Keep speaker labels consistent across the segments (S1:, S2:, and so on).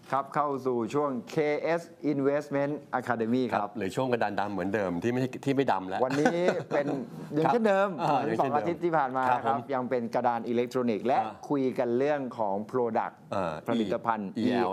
S1: ครับเข้าสู่ช่วง KS Investment Academy ครับ
S2: หรือช่วงกระดานดำเหมือนเดิมที่ไม่ดำแล้ว
S1: วันนี้เป็นยังเช่นเดิมเหมือน
S2: ยัง
S1: ส
S2: เช่
S1: อน ง
S2: เดิม
S1: อาทิตย์ที่ผ่านมา
S2: ครับ
S1: ครับ
S2: ผม
S1: ยังเป็นกระดานอิเล็กทรอนิกส์และคุยกันเรื่องของ Product ผลิตภัณฑ์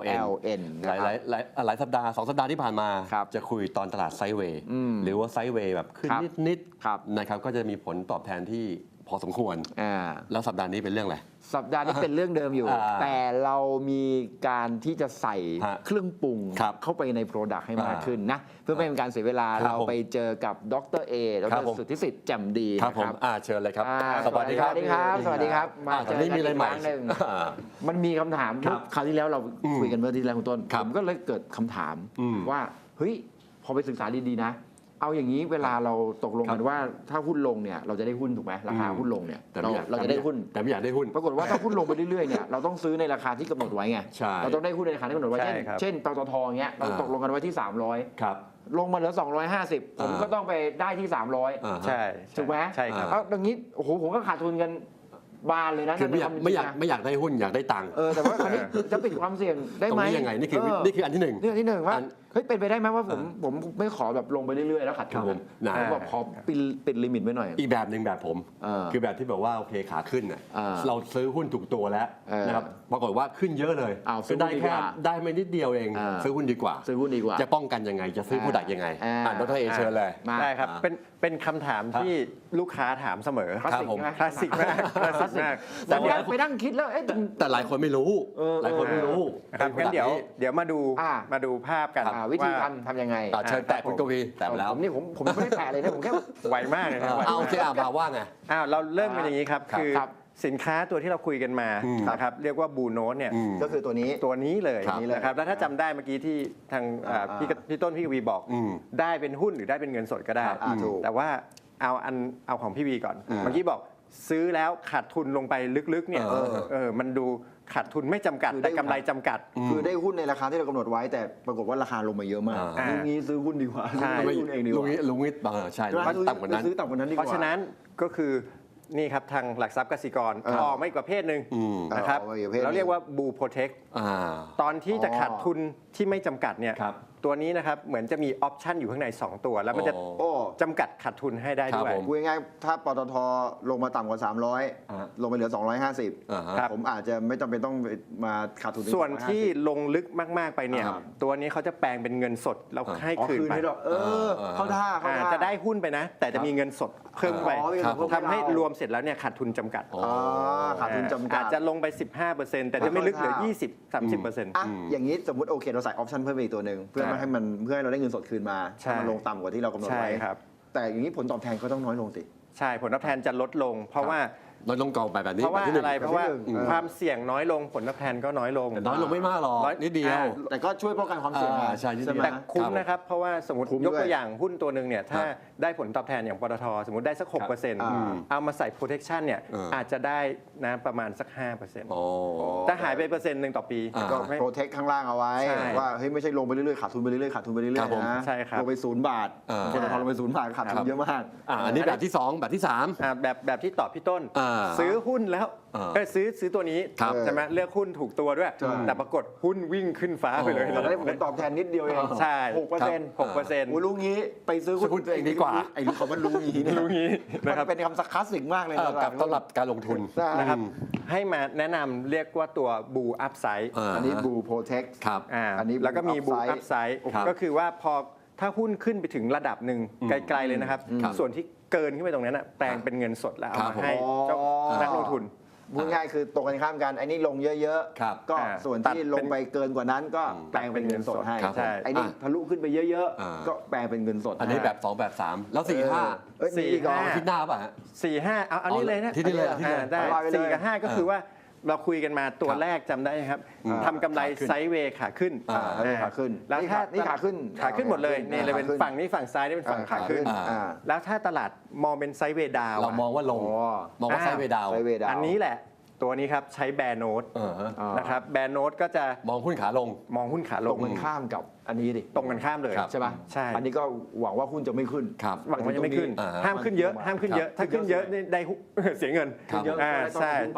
S1: ELN
S2: หลายหลายสัปดาห์2 สัปดาห์ที่ผ่านมา
S1: ครับ
S2: จะคุยตอนตลาดไซด์เวย์หรือว่าไซด์เวย์แบบขึ้น
S1: ครับ
S2: นิด
S1: ครับ
S2: ๆนะครับก็จะมีผลตอบแทนที่พอสมควร
S1: อ่า
S2: แล้วสัปดาห์นี้เป็นเรื่องอะไร
S1: สัปดาห์นี้เป็นเรื่องเดิมอยู่ แต่เรามีการที่จะใส่
S2: ฮะ
S1: เครื่องปรุง
S2: ครับ
S1: เข้าไปใน Product ให้มาก
S2: อ่า
S1: ขึ้นนะ เพื่อไม่เป็นการเสียเวลา
S2: ครับ
S1: เราไปเจอกับดรเอด
S2: ครับ
S1: ร
S2: ผม
S1: สุทธิสิทธิ์แจ่มดี
S2: ครับ
S1: นะ
S2: ผมเชิญเลยครับ สวัสดีครับ
S1: สวัสดีครับ สวัสดีครับ มาเจอ
S2: นี่
S1: กัน
S2: มีอะไร
S1: อีก
S2: ให
S1: ค
S2: ม่
S1: รั้งหนึ่ง
S2: อ่า
S1: มันมีคำถาม
S2: ครับ
S1: คราวที่แล้วเราคุยกันเมื่อที่แล้วคุณต้น
S2: ครั
S1: ผ
S2: บ
S1: มก็เลยเกิดคำถาม
S2: อืม
S1: ว่าเฮ้ยพอไปศึกษาดีๆนะ เอาอย่างนี้เวลาเราตกลงกันว่าถ้าหุ้นลงเนี่ยเราจะได้หุ้นถูกไหมราคาหุ้นลงเนี่ย
S2: แต่ไม่อยาก
S1: เราจะได้หุ้น
S2: แต่ไม่อยากได้หุ้น
S1: ปรากฏว่าถ้าหุ้นลงไปเรื่อยๆเนี่ยเราต้องซื้อในราคาที่กำหนดไว้ไง
S2: ใช่
S1: เราต้องได้หุ้นในราคาที่กำหนดไว้
S3: ใช่
S1: เช่น
S3: ครับ
S1: เช่นปตทอย่างเงี้ยเราตกลงกันไว้ที่
S2: ครับ
S1: 300 ลงมาเหลือ 250 ผมก็ต้องไปได้ที่ 300
S3: ใช่
S1: ถูกไหม
S3: ใช่ครับ
S1: เอาอย่างนี้โอ้โหผมก็ขาดทุนกันบานเลยนะ
S2: คือไม่อยาก
S1: ในคว
S2: ไม่อยาก
S1: จริงๆนะ
S2: ไม่อยากได้หุ้นอยากได้ตังค์
S1: แต่ว่าคราวนี้จะปิดความเสี่ยงได้
S2: ตรง
S1: ไหม
S2: นี้ยังไงนี่คืออันที่หนึ่ง
S1: นี่อันที่หนึ่งว่า
S2: อัน
S1: เฮ้ยเป็นไปได้ไหมว่าผมไม่ขอแบบลงไปเรื่อยๆแล้วขาด
S2: ครั
S1: ทุ
S2: บ
S1: น
S2: ผมนะ
S1: ผมบอกขอปิดลิมิตไว้หน่อย
S2: อีกแบบหนึ่งแบบผม
S1: เออ
S2: คือแบบที่แบบว่าโอเคขาขึ้นน่ะ เราซื้อหุ้นถูกตัวแล้ว
S1: เออ
S2: นะครับปรากฏว่าขึ้นเยอะเลย
S1: อ้าวซื้อ
S2: ได้
S1: หุ้นดีก
S2: แค่
S1: ว่า
S2: ได้ไม่นิดเดียวเอง
S1: เออ
S2: ซื้อหุ้นดีกว่า
S1: ซื้อหุ้นดีกว่า
S2: จะป้องกันยังไงจะซื้อผู้ดักยังไงดรเอเชิญเลย
S1: มา
S3: ได้ครับ
S2: อ่า
S3: เป็นคำถามที่ลูกค้าถามเสมอ
S1: คลาสสิก
S2: ผม
S1: ใช่ไหม
S3: คลาสสิกมากคลาสสิกมาก
S1: แต่
S2: แต่ว่า
S1: ไปนั่งคิดแล้วเอ๊ะ
S2: แต่หลายคนไม่รู้ หลายคนไม่รู้
S3: นะครับงั้นเดี๋ยวมาดู
S1: อ่า
S3: มาดูภาพกัน
S1: วิธี
S3: ว่า
S1: ทำยังไง
S2: เชิญแตะคุณกวีแตะไปแล้ว
S1: ผมนี่ผมไม่ได้แตะเลยนะผมแค่
S3: ไวมากเลยนะไว
S2: เอา
S3: มา
S2: โอก เคมาว่าไง
S3: เราเริ่มกันอย่างนี้ครับ
S2: ครับ
S3: คือ
S1: ครับ
S3: สินค้าตัวที่เราคุยกันมา นะครับเรียกว่าบูโนตเนี่ย
S1: ก็คือตัวนี้
S3: ตัวนี้เลย
S2: ครับ
S3: นะครับแล้วถ้าจำได้เมื่อกี้ที่ทางพี่ต้นพี่กวีบอก ได้เป็นหุ้นหรือได้เป็นเงินสดก็ได้
S1: ถูก
S3: แต่ว่าเอาของพี่วีก่อน เมื่อกี้บอกซื้อแล้วขาดทุนลงไปลึกๆเนี่ยมันดูขาดทุนไม่จำกัด
S1: คือได้
S3: แต่กำไรจำกัด
S1: คือได้หุ้นในราคาที่เรากำหนดไว้ แต่ปรากฏว่าราคาลงมาเยอะมาก
S3: อ่า
S1: ลุงนี้ซื้อหุ้นดีกว่า
S3: ใช่
S1: ซื้อหุ้นเองดีกว่า
S2: ลุงนิดใช่ต่ำกว่านั้น
S1: ซื้อต่ำกว่านั้นดีก
S3: เพ
S1: ว่า
S3: ราะฉะนั้นก็คือนี่ครับทางหลักทรัพย์กสิกรออกมาอีกประเภทหนึ่งนะครับ
S1: ออกมาอีกประเภทหนึ่ง
S3: เราเรียกว่าบูโปรเทค ตอนที่จะขาดทุนที่ไม่จำกัดเนี่ย
S2: ครับ
S3: ตัวนี้นะครับเหมือนจะมีออปชันอยู่ข้างใน 2 ตัว แล้วมันจะ
S1: โอ้
S3: จำกัดขาดทุนให้ได้ด้วย
S2: ครับผม
S1: พูดง่ายๆถ้าปตทลงมาต่ำกว่า 300 ลงไปเหลือ 250 ผมอาจจะไม่จำเป็นต้องมาขาดทุน
S3: ส่วนที่ลงลึกมาก ๆ ไปเนี่ย
S1: ครับ
S3: ตัวนี้เขาจะแปลงเป็นเงินสดแล้วให้
S1: อ๋อ
S3: คืน
S1: คืน
S3: ไป
S1: ให้ด้วยเข้าท่าเข้าท่า
S3: จะได้หุ้นไปนะ แต่จะมีเงินสดเพิ่มไป
S1: อ๋อมีเงินสดเพิ่ม
S3: ทำให้
S1: ให้เรา
S3: รวมเสร็จแล้วเนี่ยขาดทุนจำกัด
S1: ขาดทุนจำกัด
S3: อาจจะลงไป 15%แต่จะไม่ลึกเหลือ 20-30%
S1: อ่ะอย่างนี้สมมติโอเคเราใส่ออปชันเพิ่มไปอีกตัวหนึ่งเพื่อไม่ให้มันเพื่อให้เราได้เงินสดคืนมา
S3: ใช่
S1: ให้มันลงต่ำกว่าที่เรากำหนด
S3: ใช่
S1: ไว้
S3: ครับ
S1: แต่อย่างนี้ผลตอบแทนก็ต้องน้อยลงสิ
S3: ใช่ผลตอบแทนจะลดลง เพราะว่า
S2: เราต้องกองแบบนี้
S3: เพราะว่า
S2: แบบที่หนึ่ง
S3: อะไรเพราะว่า
S1: แบบที่หนึ่ง
S3: ความเสี่ยงน้อยลงผลตอบแทนก็น้อยลง
S2: แต่น้อยลงไม่มากหรอกนิดเดียว
S1: แต่ก็ช่วยป้องกันความเสี่ยง
S2: ใช่นิดเดียว
S1: ไหม
S3: แต่คุ้มนะครับ เพราะว่าสมมติ
S1: คุ้ม
S3: ยก
S1: ด้วย
S3: ตัวอย่างหุ้นตัวหนึ่งเนี่ยถ้าได้ผลตอบแทนอย่างปตทสมมติได้สัก 6% เอามาใส่ protection เนี่ยอาจจะได้นะประมาณสัก 5%
S2: โอ้
S3: แต่หายไป1%ต่อปี
S1: ก็
S3: ไม่
S1: โปรเทคข้างล่างเอาไว้
S3: ใช่
S1: ว่าเฮ้ยไม่ใช่ลงไปเรื่อยๆขาดทุนไปเรื่อยๆขาดทุนไปเรื่อย
S2: ครับผม
S1: ๆนะ
S3: ใช่ครับ
S1: ลงไป0 บาทปตทลงไป0 บาทขาดทุนเยอะมาก
S2: อันนี้แบบที่ 2 แบบที่
S3: แบบที่ตอบพี่ต้น ซื้อหุ้นแล้ว ซื้อตัวนี้
S2: ครับ
S3: ใช่ไหมเลือกหุ้นถูกตัวด้วย
S1: ใช่
S3: แต่ปรากฏหุ้นวิ่งขึ้นฟ้าไปเลย
S1: แต่ได้ผลตอบแทนนิดเดียวเอง
S3: ใช่
S1: 6%
S3: 6%
S1: โอ้รู้งี้ไปซื้อ
S2: ซื้อหุ้นตัวเองดีกว่า
S1: ไอ้รู้คำว่ารู้งี้เนี่ย
S3: รู้งี้
S1: มั
S3: นะครับ
S1: นเป็นคำสักคลาสสิกมากเลย
S2: 3กับสำหรับการลงทุน
S3: นะครับให้มาแนะนำเรียกว่าตัวบูอัพไซด์
S1: อันนี้บูโปรเทค
S2: ครับ
S1: อันนี้
S3: แล้วก็มีบู
S1: Blue
S3: อัพ
S1: Upside
S3: ไซด์
S2: ครับ
S3: ก็คือว่าพอถ้าหุ้นขึ้นไปถึงระดับหนึ่งไกลๆเลยนะครับ ส่วนที่เกินขึ้นไปตรงนั้นแปลงเป็นเงินสดแล้วเอา
S2: ครับ
S3: มาให้เจ้านักลงทุน
S1: พูดง่ายคือตรงกันข้ามกันไอ้นี่ลงเยอะ
S2: ครับ
S1: ๆก็ส่วนที่ลงไปเกินกว่านั้นก็แปลงเป็นเงินสดให้
S2: ครับ
S3: ใช่
S1: ไอ้นี่ทะลุขึ้นไปเยอะ
S2: อ่า
S1: ๆ ก็แปลงเป็นเงินสด
S2: อันนี้แบบ 2 แบบ 3 แล้ว4 5
S1: เอ้ยมีอีกเหรอ
S3: 4-5
S2: คิดหน้าป่ะฮะ
S3: 4-5เอาอันนี้เลยนะ
S2: ที่นี่เลยที่นี่เลย
S3: ได้
S1: เอาไปเลย
S3: 4 กับ 5 ก็คือว่าเราคุยกันมาตัวแรกจำได้ไหมครับทำกำไร
S2: ขาขึ้น
S3: ไซด์เวย์ขาขึ้น
S1: อันนี้ขาขึ้น
S3: แล้วถ้า
S1: นี่ขาขึ้น
S3: ขาขึ้นหมดเลยนี่เลยเป็น
S1: ขาขึ้น
S3: ฝั่งนี้ฝั่งซ้ายนี่เป็นฝั่งขาขึ้น แล้วถ้าตลาดมองเป็นไซด์เวย์ดาว
S2: เรามองว่าลง มองว่าไซด์เวย์ดาว
S1: ไซด์เวย์ดาว
S3: อันนี้แหละตัวนี้ครับใช้แบร์โน้ตนะครับแบร์โน้ตก็จะ
S2: มองหุ้นขาลง
S3: มองหุ้นขาล
S1: ตรง งกันข้ามกับอันนี้ดิ
S3: ตรงกันข้ามเลย
S2: ครับ
S1: ใช่ป่ะ
S3: ใช่
S1: อันนี้ก็หวังว่าหุ้นจะไม่ขึ้น
S2: ครับ
S3: หวังว่าจะไม่ขึ้น
S2: อ่าฮะ
S3: ห้ามขึ้นเยอะห้ามขึ้นเยอะ ถ้าขึ้นเยอะนี่ได้ เสียเงิน
S2: ครับ
S1: เยอะ
S3: อ่า
S1: ก็ได้ต้อง
S3: ใช่
S1: ลงทุนไป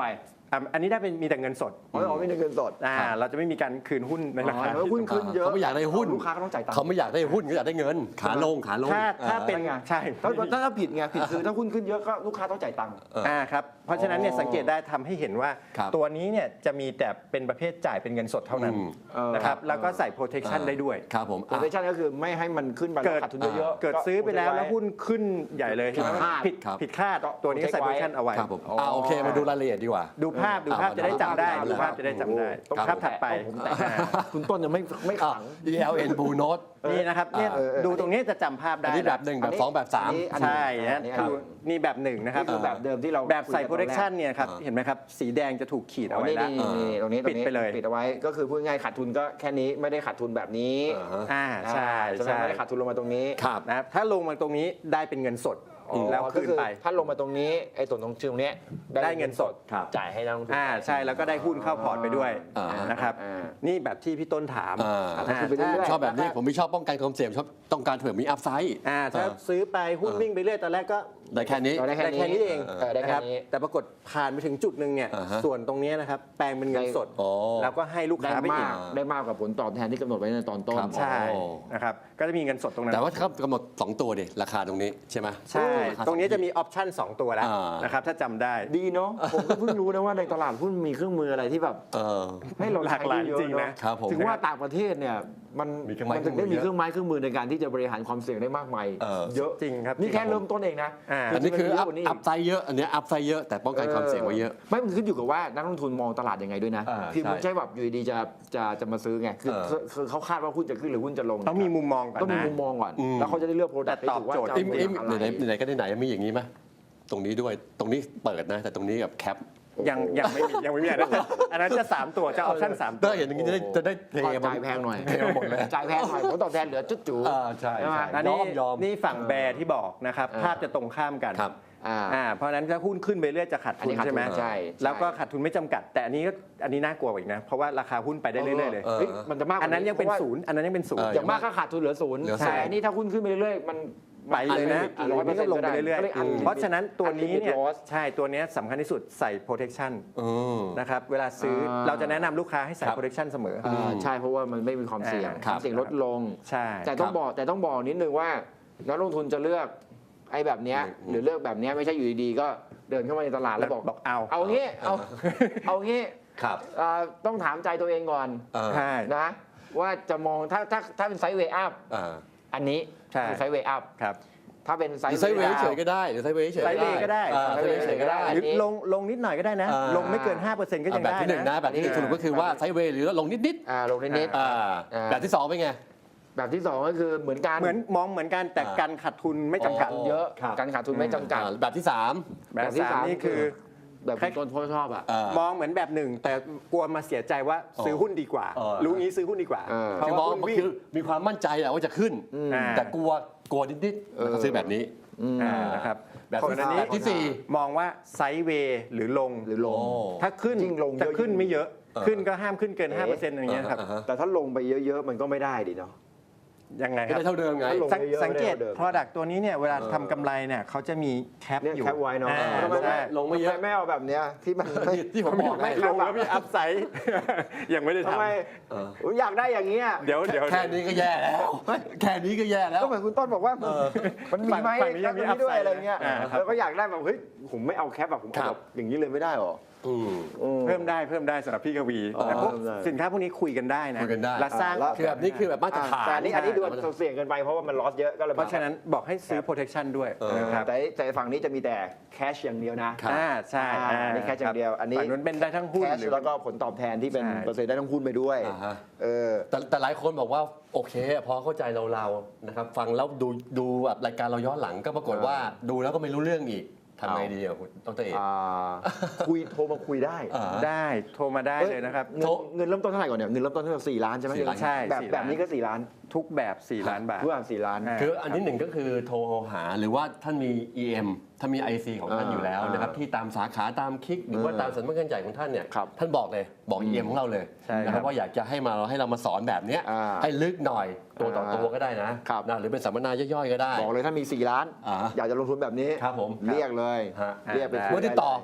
S3: อันนี้ได้เป็นมีแต่เงินสด
S1: เราไม่ได้เงินสด
S3: เราจะไม่มีการคืนหุ้นในราคา
S1: แล้วหุ้นขึ้นเยอะ
S2: เขาไม่อยากได้หุ้น
S1: ลูกค้าก็ต้องจ่ายตังค์
S2: เขาไม่อยากได้หุ้นเขาอยากได้เงินขาลง
S3: ถ้าเป็น
S1: ไง
S3: ใช่
S1: ถ้าผิดไงผิดคือถ้าหุ้นขึ้นเยอะก็ลูกค้าต้องจ่ายตังค์
S3: ครับเพราะฉะนั้นเนี่ยสังเกตได้ทำให้เห็นว่า
S2: ครับ
S3: ตัวนี้เนี่ยจะมีแต่เป็นประเภทจ่ายเป็นเงินสดเท่านั้นนะครับแล้วก็ใส่ protection ได้ด้วย
S2: ครับผม
S1: โปรเทคชั่นก็คือไม่ให้มันขึ้นไปแล้วขาดทุนเยอะๆ
S3: เกิดซื้อไปแล้วหุ้นขึ้นใหญ่เลย
S1: ผิดคาด
S3: ผิดคาดตัวนี้ใส่ protection เอาไว้
S2: ครับผมโอเคมาดูรายละเอียดดีกว่า
S3: ดูภาพจะได้จำได้ดูภาพจะได้จำได้ตรงภาพถัดไป
S1: คุณต้นยังไม่ขัง
S2: ELN Blue Note
S3: นี่นะครับเนี่ยดูตรงนี้จะจำภาพ
S2: อั
S3: ได้
S2: นนี้แบบ1แบบ2แบบ3
S3: ใช่นะดูนี่แบบหนึ่งนะครับ
S1: นี่คือแบบเดิมที่เรา
S3: แบบใส่
S1: คุยกันตอนแรก
S3: protection เนี่ยครับเห็นไหมครับสีแดงจะถูกขีดเอาไว้แล้ว
S1: นี่ตรงนี้
S3: ปิดไปเลย
S1: ปิดเอาไว้ก็คือพูดง่ายขาดทุนก็แค่นี้ไม่ได้ขาดทุนแบบนี้
S3: ใช่
S1: ใช่ไหมไม่ได้ขาดทุนลงมาตรงนี้
S2: ครับ
S3: นะครับถ้าลงมาตรงนี้ได้เป็นเงินสดแล้ว
S1: ก็
S3: ขึ้น
S1: คือ
S3: ไป
S1: ถ้าลงมาตรงนี้ไอ้ส่วนตรงชื่อตรงเนี้ย
S3: ได้เงินสด
S1: จ่ายให้นักลงทุน
S3: ใช่แล้วก็ได้หุ้นเข้าพอร์ตไปด้วย นะครับ
S1: อ่า
S3: นี่แบบที่พี่ต้นถาม
S1: คือไปเรื่อยๆ
S2: ชอบแบบนี้ผมไม่ชอบป้องกันความเสี่ยงชอบต้องการเผื่อมีอัพไซด์
S3: ถ้าซื้อไปหุ้นวิ่งไปเรื่อยตอนแรกก็
S2: ได้แค่นี้
S1: ได้
S3: ได้แค่นี้เอง
S1: ได้
S3: นะ
S1: แค่
S3: ครับ
S1: นี้
S3: แต่ปรากฏผ่านไปถึงจุดหนึ่งเนี่ย
S2: อ่าฮะ
S3: ส่วนตรงเนี้ยนะครับแปลงเป็นเงินสด
S2: อ๋อ
S3: แล้วก็ให้ลูก
S1: ได้
S3: ค้าไปอี
S1: มาก กได้มากกว่าผลตอบแทนที่กำหนดไว้ในตอนต้น
S2: ครับ
S3: ใช่
S2: อ๋อ
S3: นะครับก็จะมีเงินสดตรงนั้น
S2: แต่ว่าเขากำหนด2ตัวดิราคาตรงนี้ใช่ไหม
S3: ใช่
S2: าคา
S3: ตรงนี้จะมีออปชั่น2ตัวแล้ว
S2: อ่าน
S3: นะครับถ้าจำได้
S1: ดีเนาะผมก็เพิ่งรู้นะว่าในตลาดหุ้นมีเครื่องมืออะไรที่แบบ
S2: เออ
S1: ให้เรา
S3: หลากหลาย
S1: ใช้ได้เยอะ
S3: จริงๆ
S1: เน
S3: นะ
S1: อะ
S2: ครับผม
S1: ถึงว่าต่างประเทศเนี่ยมัน
S2: มีเครื่องไม้
S1: ถึงได้
S2: เครื่องมือ
S1: มีเครื่องไม้เครื่องมือในการที่จะบริหารความเสี่ยงได้มากมาย เยอะ
S3: จริงครับ
S1: นี่แค่เริ่มต้นเองนะ
S2: อันนี้คือ
S1: จริงๆ
S2: อั
S1: มั
S2: พ
S1: นเยะกว่านี้
S2: ไซด์เยอะอันนี้อัพไซด์เยอะแต่ป้องกันความเสี่ยงไว้เยอะ
S1: ไม่มันขึ้นอยู่กับว่านักลงทุนมองตลาดยังไงด้วยนะ คือ
S2: ใช่
S1: ไม่ใช่แบบอยู่ดีๆจะมาซื้อไงคือเขาคาดว่าหุ้นจะขึ้นหรือหุ้นจะลง
S3: ต้องมีมุมมองก่อน
S1: ต้องมี
S3: นะ
S1: มุมมองก่อนแล้วเขาจะได้เลือกโปรดักต์
S3: แต่ตอบโจทย์
S1: ที่ถูกว่าจะ
S2: อิ่ม
S1: เอา
S2: ไหนๆก็ไหนๆมีอย่างนี้ไหมตรงนี้ด้วยตรงนี้เปิดนะ แต่ตรงนี้กับแคป
S3: ยังไม่มีอันนั้นจะ3ตัวจะออปชั่น3ตัว
S2: ถ้าเห็นอย่างนี้จะได้เท
S1: จ่ายแพงหน่อย
S2: เทมาหมดเลย
S1: จ่ายแพงหน่อยผลตอบแทนเหลือจุดจู๋
S2: ใช่
S1: ใช่ไหม
S3: อัน
S2: ย
S3: นี้
S2: อม
S3: นี่ฝั่งแบร์ที่บอกนะครับภาพจะตรงข้ามกัน
S2: ครับ
S3: เพราะฉะนั้นถ้าหุ้นขึ้นไปเรื่อยจะขาด
S1: อัน
S3: ทุ
S1: นี้
S3: น
S1: ขาดทุน
S3: ใช่ไหม
S1: ใช่
S3: แล้วก็ขาดทุนไม่จำกัด แต่อันนี้น่ากลัวกว่าอีกนะเพราะว่าราคาหุ้นไปได้เรื่อยๆเลย
S2: เออ
S1: เฮ้ยมันจะมากกว่า
S3: อันนั้นยังเป็น
S1: พราะว่า
S3: ศูนย์อันนั้นยังเป็นศูนย์
S1: อย่างมากก็ขาดทุนเหลือศูนย์
S2: เหลือศูนย์
S1: แต่อันนี้ถ้าหุ้นขึ้นไปเรื่อยๆมัน
S3: ไปเลยนะ
S1: ร้อยเปอร์เซ็นต์
S3: ลงไปเรื่อย
S1: ก็เลย
S3: ๆเพราะฉะนั้นตัวนี้เนี่ย
S1: unlimited loss
S3: ใช่ตัวเนี้ยสำคัญที่สุดใส่ protection นะครับเวลาซื้อ
S1: อ่า
S3: เราจะแนะนำลูกค้าให้ใส่
S2: ครับ
S3: protection เสมอ
S1: ใช่เพราะว่ามันไม่มีความเสี่ยง
S3: ครับ
S1: ความเสี่ยงลดลง
S3: ใช่
S1: แต่ต้องบอกนิดนึงว่านักลงทุนจะเลือกไอ้แบบเนี้ยหรือเลือกแบบเนี้ยไม่ใช่อยู่ดีๆก็เดินเข้ามาในตลาดแล้วบอก เอางี้เอางี้
S2: ครับ
S1: ต้องถามใจตัวเองก่อน
S3: ใช่
S1: นะว่าจะมองถ้าเป็นไซด์เวย์อัพอันนี้
S3: ใช่
S1: คือไซด์เวย์อัพ
S3: ครับ
S1: ถ้าเป็นไซ
S2: หรือ
S1: ด์
S2: ไซด์เว
S1: เว
S2: ย์
S1: ย์
S2: เฉยๆก็ได้หรือไซด์เวย์เฉยๆ
S3: ไซด์เวย์ก็ได้
S2: ไซด์เวย์เฉยๆก็ได้
S3: หรือลงนิดหน่อยก็ได้นะ ลงไม่เกิน 5%ก็ยัง
S2: แบบ
S3: ได้
S2: ที่หนึ่งนะแบบที่หนึ่งสรุปก็คือว่าไซด์เวย์หรือลงนิด
S1: ลงนิด
S2: ๆแบบที่สองเป็นไง
S1: ๆแบบที่สองก็คือเหมือนกัน
S3: มองเหมือนกันแต่การขาดทุนไม่จำกัด
S1: เยอะ
S2: ครับ
S1: การขาดทุนไม่จำกัด
S2: แบบที่สาม
S3: แบบที่สามนี่คือ
S1: แบบคุณต้นพ่อชอบอ่ะ
S3: มองเหมือนแบบหนึ่งแต่กลัวมาเสียใจว่าซื้อหุ้นดีกว่า รู้งี้ซื้อหุ้นดีกว่า เพราะ
S2: คือม
S3: ว่า
S2: อง
S3: หุ้น
S2: มัน
S3: วิ่ง
S2: คือมีความมั่นใจแหละว่าจะขึ้น แต่กลัวนิดๆแล้วก็ซื้อแบบนี้
S3: นะครับ
S2: แบบ
S3: คนอันนี้
S2: ที่สี่
S3: มองว่าไซด์เวย์หรือลง ถ้าขึ้น
S1: ยิ่งลงเยอะ
S3: จะขึ้นไม่เยอะ ขึ้นก็ห้ามขึ้นเกิน 5%อย่างเงี้ยครับ
S1: แต่ถ้าลงไปเยอะๆมันก็ไม่ได้ดิเนาะ
S3: ยังไงค
S2: ก็
S3: รับ
S2: ได้เท่าเดิมไง
S1: ถ้าลง
S3: สังเกต
S1: ไม่ได้เท่าเดิม
S3: Product ตัวนี้เนี่ยเวลาทำกำไรเนี่ยเขาจะมีแคป
S1: เนี่ย
S3: อยู่
S1: แคปไว้เนาะ
S3: ทำไม
S1: ใช่
S2: ลงไม่เยอะ
S1: ทำไม่เอาแบบเนี้ยที่มันไม่
S2: ที่ผมบอก
S3: ไม่
S2: ไง
S3: ลงแล้วมีอัพไซด์ ยังไม่ได้
S1: ทำ
S3: ทำ
S1: ไมผมอยากได้อย่างเงี้ย
S3: เดี๋ยว
S2: แค่นี้ก็แย่แล้วแค่นี้ก็แย่แล้ว
S1: ก็เหมือนคุณต้นบอกว่ามันมีไหม
S3: ฝั่งนี้ยังมี
S1: แคปด้วย
S3: upside
S1: อะไรเงี้ย
S3: ครับ
S1: แล้วก็อยากได้แบบเฮ้ยผมไม่เอาแคปแบบผมเอา
S2: ครั
S1: แบบ บอย่างนี้เลยไม่ได้หรอ
S3: เพิ่มได้สำหรับพี่กวีแต่พวก
S1: เพิ่มได้
S3: สินค้าพวกนี้คุยกันได้นะ
S2: คุยกันได้
S3: และสร้าง
S1: แล้ว
S2: คือแบบนี้คือแบบมาตรฐาน
S1: แต่อันนี้ดูเสี่ยงเกินไปเพราะว่ามันลอสเยอะก็เลย
S3: เพราะฉะนั้นบอกให้ซื้อ protection ด้วยนะครับ
S1: แต่ฝั่งนี้จะมีแต่แคชอย่างเดียวนะ
S3: ใช่
S1: อันนี้แค่อย่างเดียวอันนี้
S3: ฝั่งนู้นเป็นได้ทั้งหุ้น
S1: แคช
S3: หรือ
S1: แล้วก็ผลตอบแทนที่เป็น
S3: ใช่
S1: เปอร์เซ็นต์ได้ทั้งหุ้นไปด้วย
S2: แต่หลายคนบอกว่าโอเค พอเข้าใจเรานะครับฟังแล้วดูแบบรายการเราย้อนหลังก็ปรากฏว่าดูแล้วก็ไม่รู้เรื่องอีกทำไงดีอ่ะคุณดรเอก
S1: โทรมาคุยได้
S3: ได้โทรมาได้เลยนะครับ
S1: เงินเริ่มต้นเท่าไหร่ก่อนเนี่ยเงินเริ่มต้นเท่าไหร่4 ล้านใช่ไหม
S2: 4 ล้าน
S3: ใช่
S1: แบบ
S3: 4
S1: แบบนี้ก็4 ล้าน
S3: ทุกแบบ4 ล้านบาท
S1: ทุกอย่าง4 ล้าน
S2: คืออันที่หนึ่งก็คือโทรหาหรือว่าท่านมี EM ถ้ามี IC ของท่านอยู่แล้วนะครับที่ตามสาขาตามคลิกหรือว่าตามสำนักงานใหญ่ของท่านเนี่ย
S1: ครับ
S2: ท่านบอกเลยบอก EM ของเราเลย
S3: ใช่ครับ
S2: นะครับว่าอยากจะให้เรามาสอนแบบเนี้ยให้ลึกหน่อยตัวต่อตัวก็ได้นะครับ นะหรือเป็นสัมมนาย่อยๆก็ได้
S1: บอกเลยถ้ามี4 ล้าน อยากจะลงทุนแบบนี้
S2: ครับผม
S1: เรียกเลย
S2: ฮะ
S1: เรียกไป
S2: เมื่อติดต่อ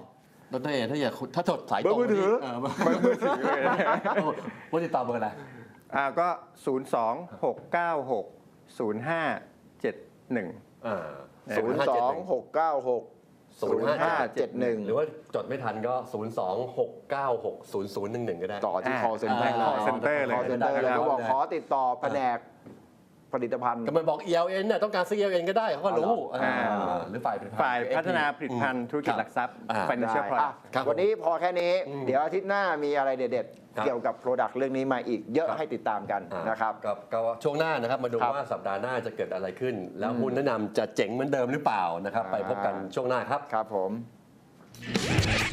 S2: ดรเอถ้าจดสายตรง
S1: เบอร์มือถือ
S2: เบอร์มือถือเลยว่าติดต่อเบอร์อะไร
S3: ก็ 026960571
S1: 026960571
S2: หรือว่าจดไม่ทันก็ 026960011 ก็ได้
S1: ต่อที่ call center เลย
S3: call center เลย
S1: call center เลยก็บอกขอติดต่อแผนกผลิตภัณฑ์
S2: ก็มันบอก ELN เนี่ยต้องการซื้อ ELN ก็ได้เขาก็รู้
S3: อ่า
S2: หรือฝ่าย
S3: ฝ่ายพัฒนาผลิตภัณฑ์ธุรกิจหลักทรัพย์ financial
S1: ได้
S3: product
S2: ครับ
S1: วันนี้พอแค่นี้ เดี๋ยวอาทิตย์หน้ามีอะไรเด็ด
S2: ครับ
S1: ๆ เกี่ยวกับ Product เรื่องนี้มาอีกเยอะ
S2: ครับ
S1: ให้ติดตามกันนะครับ
S2: ก็ช่วงหน้านะครับมาดู
S1: ครับ
S2: ว่าสัปดาห์หน้าจะเกิดอะไรขึ้น แล้วหุ้นแนะนำจะเจ๋งเหมือนเดิมหรือเปล่านะครับ ไปพบกันช่วงหน้าครับ
S1: ครับผม